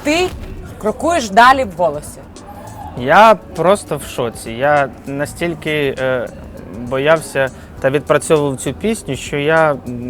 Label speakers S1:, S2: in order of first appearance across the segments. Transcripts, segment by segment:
S1: ти крокуєш далі в голосі?
S2: Я просто в шоці. Я настільки боявся та відпрацьовував цю пісню, що я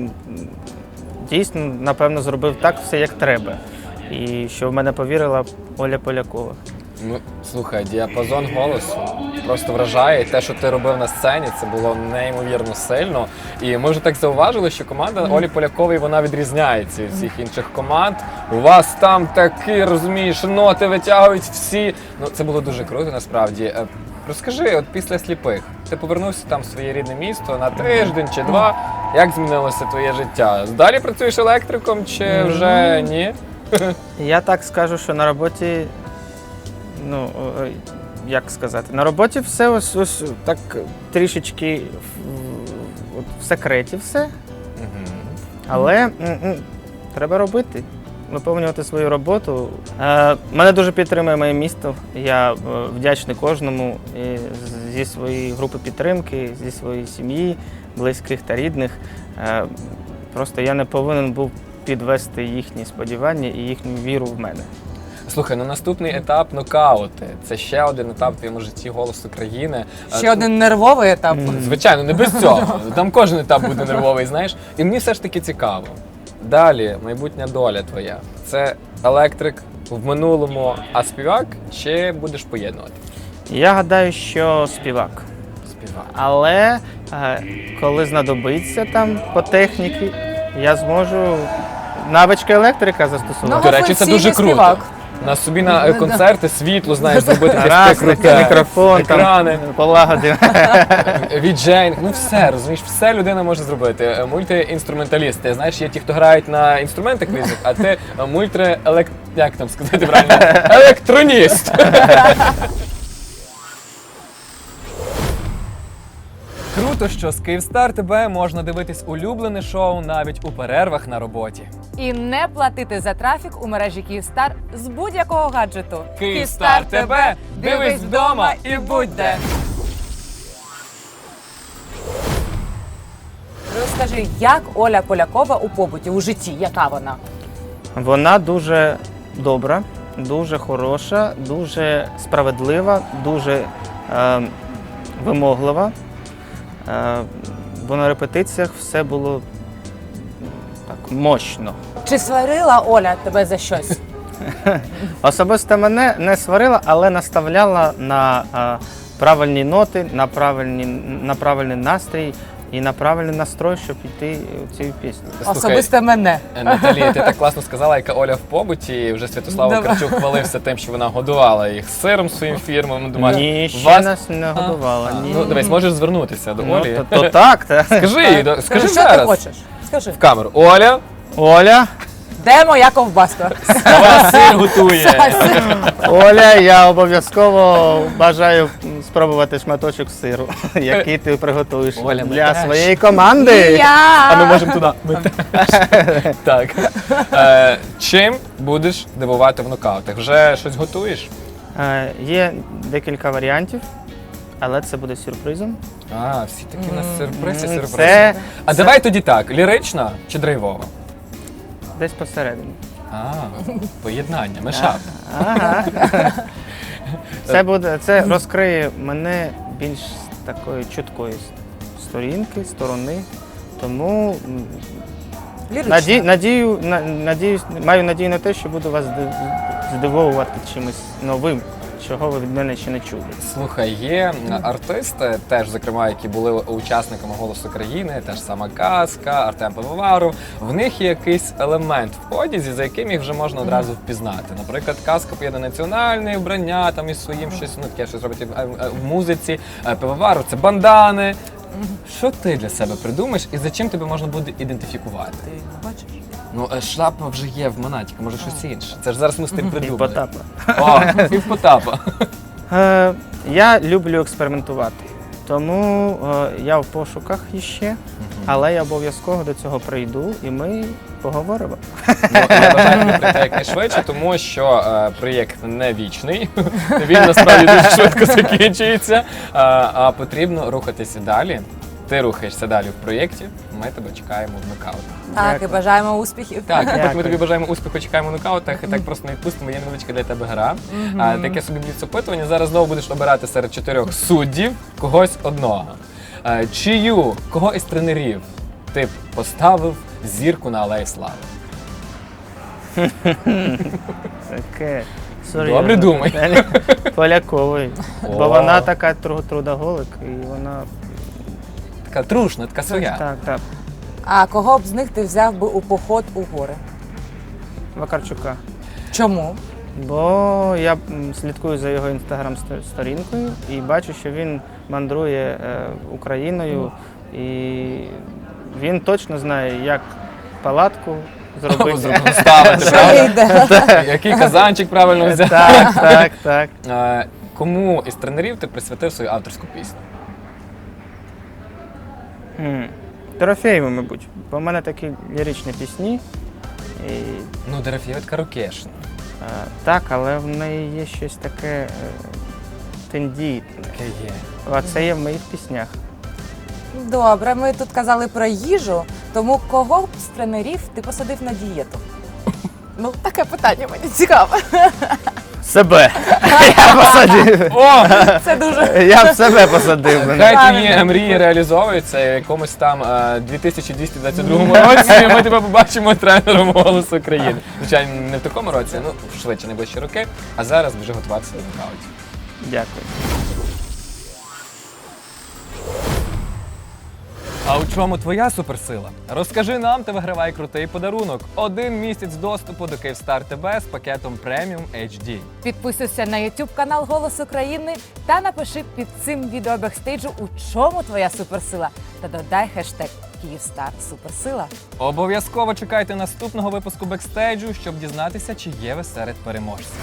S2: дійсно, напевно, зробив так все, як треба. І що в мене повірила Оля Полякова.
S3: Ну, слухай, діапазон голосу просто вражає. І те, що ти робив на сцені, це було неймовірно сильно. І ми вже так зауважили, що команда Олі Полякової, вона відрізняється від всіх інших команд. У вас там такі, розумієш, ноти витягують всі. Ну, це було дуже круто, насправді. Розкажи, от після «Сліпих» ти повернувся там в своє рідне місто на тиждень чи два. Як змінилося твоє життя? Далі працюєш електриком чи вже ні?
S2: Я так скажу, що на роботі, ну, як сказати, на роботі все ось так трішечки в секреті все, але треба робити, виповнювати свою роботу. Мене дуже підтримує моє місто, я вдячний кожному зі своєї групи підтримки, зі своєї сім'ї, близьких та рідних. Просто я не повинен був підвести їхні сподівання і їхню віру в мене.
S3: Слухай, ну наступний етап – нокаути. Це ще один етап в твоєму житті «Голос України».
S1: Ще один нервовий етап.
S3: Звичайно, не без цього. Там кожен етап буде нервовий, знаєш. І мені все ж таки цікаво. Далі, майбутня доля твоя. Це електрик в минулому, а співак, чи будеш поєднувати?
S2: Я гадаю, що співак.
S3: Співак.
S2: Але коли знадобиться там по техніці, я зможу навички електрика застосувати.
S3: До речі, це дуже круто.
S1: Співак.
S3: На собі на концерти світло, знаєш, зробити таке
S2: Раз,
S3: круте,
S2: мікрофон,
S3: екрани,
S2: там, полагодив.
S3: віджейнг, ну все, розумієш, все людина може зробити. Мультиінструменталіст. Ти знаєш, є ті, хто грають на інструментах різних, а ти як там сказати правильно? Електроніст. Круто, що з Київстар ТБ можна дивитись улюблене шоу навіть у перервах на роботі.
S1: І не платити за трафік у мережі Київстар з будь-якого гаджету.
S3: Київстар ТБ, дивись вдома і будь де.
S1: Розкажи, як Оля Полякова у побуті, у житті, яка вона?
S2: Вона дуже добра, дуже хороша, дуже справедлива, дуже вимоглива. Бо на репетиціях все було так мощно.
S1: Чи сварила Оля тебе за щось?
S2: Особисто мене не сварила, але наставляла на правильні ноти, на правильний настрій і на правильний настрой, щоб йти у цю пісню.
S1: Особисто мене.
S3: Наталія, ти так класно сказала, яка Оля в побуті. Вже Святослав Вакарчук хвалився тим, що вона годувала їх сиром своїм фірмом. Думаю,
S2: Ні, ще нас не годувала. Ні.
S3: Ну, дивись, можеш звернутися до Олі.
S2: То так, так.
S3: Скажи
S1: Що ти
S3: зараз
S1: хочеш? Скажи.
S3: в камеру. Оля,
S2: Оля,
S1: Де моя ковбаска?
S3: вона сир готує.
S2: Оля, я обов'язково бажаю спробувати шматочок сиру, який ти приготуєш
S3: Оля, ми
S2: для
S3: теж.
S2: своєї команди.
S3: А ми можемо туди. Ми теж. Так. Чим будеш дивувати в нокаутах? Вже щось готуєш?
S2: Є декілька варіантів, але це буде сюрпризом.
S3: А, всі такі у нас сюрпризи,
S2: Це-
S3: сюрпризи. А давай тоді так, лірична чи драйвова?
S2: Десь посередині.
S3: Поєднання, мешап.
S2: Ага. Це розкриє мене більш з такої чуткої сторони. Тому маю надію на те, що буду вас здивовувати чимось новим, чого ви від мене ще не чули.
S3: Слухай, є артисти, теж, зокрема, які були учасниками «Голосу країни», теж сама Казка, Артем Пивоваров. В них є якийсь елемент в одязі, за яким їх вже можна одразу впізнати. Наприклад, Казка поєднує національне вбрання, там із своїм щось, ну таке щось робить в музиці. Пивоваров – це бандани. Що ти для себе придумаєш і за чим тебе можна буде ідентифікувати?
S1: Ти бачиш?
S3: Ну, шляпа вже є в Монатіка, може щось інше. Це ж зараз ми з тим придумали.
S2: Потапа.
S3: О, Півпотапа.
S2: Я люблю експериментувати, тому я в пошуках іще, але я обов'язково до цього прийду і ми поговоримо.
S3: Ну, я бажаю тобі прийти якнайшвидше, тому що проєкт не вічний, він насправді дуже швидко закінчується, а потрібно рухатися далі. Ти рухаєшся далі в проєкті, ми тебе чекаємо в нокаутах.
S1: Так, і
S2: Дякую.
S1: бажаємо успіхів.
S3: Так, поки ми
S2: Дякую.
S3: тобі бажаємо успіху, чекаємо в нокаутах, і так просто не відпустимо, є невеличка для тебе гра. Таке собі бліц-опитування. Зараз знову будеш обирати серед 4 суддів когось одного. Кого із тренерів ти б поставив зірку на Алеї Слави?
S2: Таке.
S3: Добре думай.
S2: питання. Полякової.
S3: О.
S2: Бо вона така трудоголик, і вона.
S3: Така трушна, така своя.
S2: Так, так.
S1: А кого б з них ти взяв би у поход у гори?
S2: Вакарчука.
S1: Чому?
S2: Бо я слідкую за його інстаграм-сторінкою і бачу, що він мандрує Україною, і він точно знає, як палатку зробити.
S3: Ставити,
S1: Що
S3: правда?
S1: йде?
S3: Який казанчик правильно взяти.
S2: Так, так, так.
S3: Кому із тренерів ти присвятив свою авторську пісню?
S2: Дорофєєву, мабуть, бо в мене такі ліричні пісні. І,
S3: Ну, Дорофєєва рокешна.
S2: так, але в неї є щось таке тендітне.
S3: Таке є.
S2: А це є в моїх піснях.
S1: Добре, ми тут казали про їжу, тому кого б з тренерів ти посадив на дієту? Ну, таке питання мені цікаве.
S2: Себе! Я посадив.
S3: О!
S1: Це дуже.
S2: Я б себе посадив.
S3: Хай твої мрії реалізовуються і в якомусь там 2222 році ми тебе побачимо тренером «Голосу України». Звичайно, не в такому році, ну швидше, найближчі роки, а зараз вже готуватися до нокаутів.
S2: Дякую.
S3: А у чому твоя суперсила? Розкажи нам та вигравай крутий подарунок. 1 місяць доступу до Київстар ТБ з пакетом Premium HD.
S1: Підписуйся на YouTube канал Голос України та напиши під цим відео бекстейджу, у чому твоя суперсила. Та додай хештег Київстар Суперсила.
S3: Обов'язково чекайте наступного випуску бекстейджу, щоб дізнатися, чи є ви серед переможців.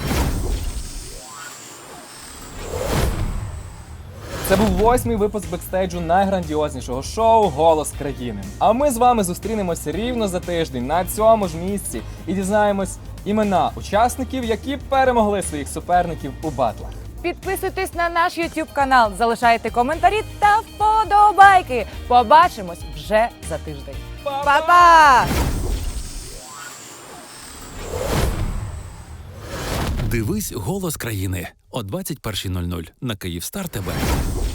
S3: Це був 8-й випуск бекстейджу найграндіознішого шоу «Голос країни». А ми з вами зустрінемося рівно за тиждень на цьому ж місці і дізнаємось імена учасників, які перемогли своїх суперників у батлах.
S1: Підписуйтесь на наш YouTube канал, залишайте коментарі та вподобайки. Побачимось вже за тиждень. Па-па!
S4: Дивись «Голос країни» о 21:00 на Київстар ТБ.